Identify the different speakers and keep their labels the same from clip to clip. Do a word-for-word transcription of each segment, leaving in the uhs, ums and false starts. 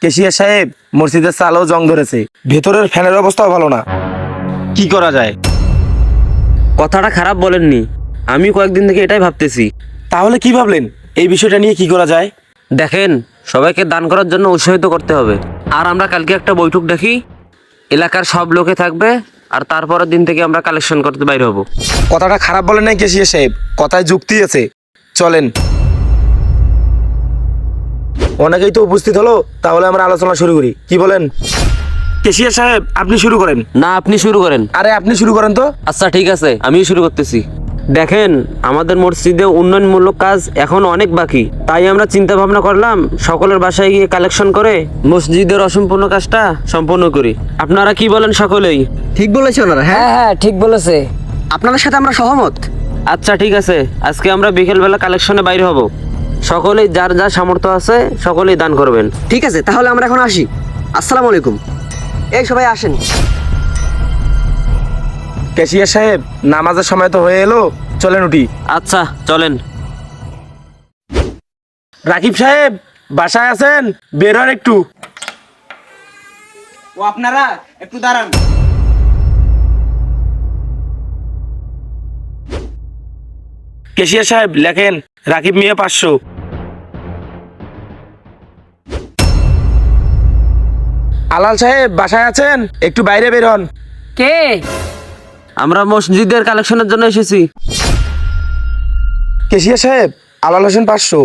Speaker 1: Cashier সাহেব, মসজিদের চালও জং ধরেছে, ভেতরের ফ্যানের অবস্থাও ভালো না। কি করা যায়?
Speaker 2: কথাটা খারাপ বলেননি, আমি কয়েকদিন থেকে এটাই ভাবতেছি।
Speaker 1: তাহলে কি ভাবলেন? এই বিষয়টা নিয়ে কি করা যায়?
Speaker 2: দেখেন, সবাইকে দান করার জন্য উৎসাহিত করতে হবে। আর আমরা কালকে একটা বৈঠক ডাকি, এলাকার সব লোকে থাকবে, আর তারপরের দিন থেকে আমরা কালেকশন করতে বাইরে হব।
Speaker 1: কথাটা খারাপ বলেন নাই কেশিয়া সাহেব, কথায় যুক্তি আছে। চলেন। অনেকেই তো উপস্থিত হলো, তাহলে আমরা আলোচনা শুরু করি, কি বলেন? কেশিয়া সাহেব, আপনি শুরু করেন।
Speaker 2: না, আপনি শুরু করেন।
Speaker 1: আরে আপনি শুরু করেন তো।
Speaker 2: আচ্ছা ঠিক আছে, আমি শুরু করতেছি। দেখেন, আমাদের মসজিদে উন্নয়নমূলক কাজ এখন অনেক বাকি, তাই আমরা চিন্তা ভাবনা করলাম সকলের বাসায় গিয়ে কালেকশন করে মসজিদের অসম্পূর্ণ কাজটা সম্পূর্ণ করি। আপনারা কি বলেন সকলেই?
Speaker 3: ঠিক বলেছে ওনারা। হ্যাঁ
Speaker 4: হ্যাঁ হ্যাঁ ঠিক বলেছে।
Speaker 3: আপনাদের সাথে আমরা সহমত।
Speaker 2: আচ্ছা ঠিক আছে, আজকে আমরা বিকেলবেলা কালেকশনে বাইরে হব। সকলেই যার যা সামর্থ্য আছে সকলেই দান করবেন।
Speaker 3: ঠিক আছে, তাহলে আমরা এখন আসি। আসসালামু আলাইকুম। এই সবাই আসেন।
Speaker 1: কেশিয়া সাহেব, নামাজের সময় তো হয়ে এলো, চলেন উঠি।
Speaker 2: আচ্ছা চলেন।
Speaker 1: রাকিব সাহেব, বাসায় আছেন? বের হন একটু।
Speaker 5: ও আপনারা একটু দাঁড়ান।
Speaker 1: কেশিয়া সাহেব লেখেন, রাকিব মিয়া পাঁচশো। আলাল সাহেব বাসায় আছেন? একটু বাইরে বের হন।
Speaker 4: কে?
Speaker 2: আমরা মসজিদের কালেকশনের জন্য এসেছি।
Speaker 1: কেশিয়া সাহেব, আলাল হোসেন পাঁচশো।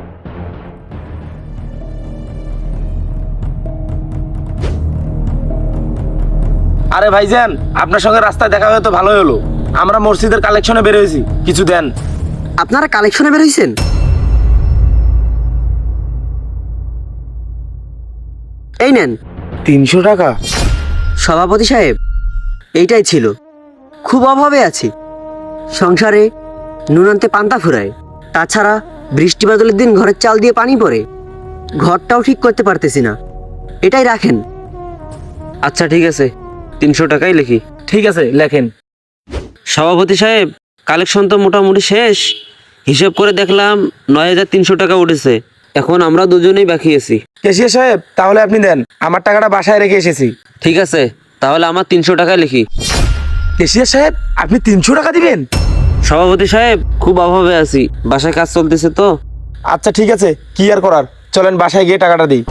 Speaker 1: আরে ভাইজান, আপনার সঙ্গে রাস্তায় দেখা হয়ে তো ভালোই হলো। আমরা মসজিদের কালেকশনে বের হয়েছি, কিছু দেন।
Speaker 3: আপনারা কালেকশনে বের হয়েছেন? এই নেন।
Speaker 1: তিনশো টাকা?
Speaker 3: সভাপতি সাহেব, এইটাই ছিল। খুব অভাবে আছি, সংসারে নুন আনতে পান্তা ফুরায়, তাছাড়া বৃষ্টি বাদলের দিন ঘরের চাল দিয়ে পানি পড়ে, ঘরটাও ঠিক করতে পারতেছি না। এটাই রাখেন।
Speaker 2: আচ্ছা ঠিক আছে, তিনশো টাকাই লিখি।
Speaker 1: ঠিক আছে, লেখেন।
Speaker 2: সভাপতি সাহেব, কালেকশন তো মোটামুটি শেষ। হিসাব করে দেখলাম নয় হাজার তিনশো টাকা উঠেছে। এখন আমরা দুজনেই বাকি আছি।
Speaker 1: কেশিয়া সাহেব, তাহলে আপনি দেন, আমার টাকাটা বাসায় রেখে এসেছি।
Speaker 2: ঠিক আছে, তাহলে আমার তিনশো টাকা লিখি।
Speaker 1: কেশিয়া সাহেব, আপনি তিনশো টাকা দিবেন?
Speaker 2: সভাপতি সাহেব, খুব অভাবে আছি, বাসায় কাজ চলতেছে তো।
Speaker 1: আচ্ছা ঠিক আছে, কি আর করার, চলেন বাসায় গিয়ে টাকাটা দিই।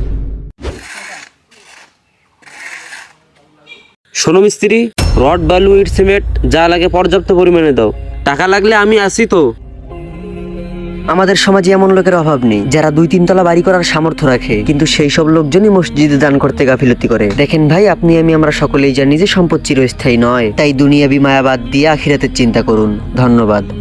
Speaker 2: শোনো মিস্ত্রি, রড বালু ইট সিমেন্ট যা লাগে পর্যাপ্ত পরিমাণে দাও। টাকা লাগলে আমি আসি তো।
Speaker 3: আমাদের সমাজে এমন লোকের অভাব নেই যারা দুই তিনতলা বাড়ি করার সামর্থ্য রাখে, কিন্তু সেই সব লোকজনই মসজিদে দান করতে গাফিলতি করে। দেখেন ভাই, আপনি আমি আমরা সকলেই জানি যে সম্পদ চিরস্থায়ী নয়, তাই দুনিয়াবি মায়াবাদ দিয়ে আখিরাতের চিন্তা করুন। ধন্যবাদ।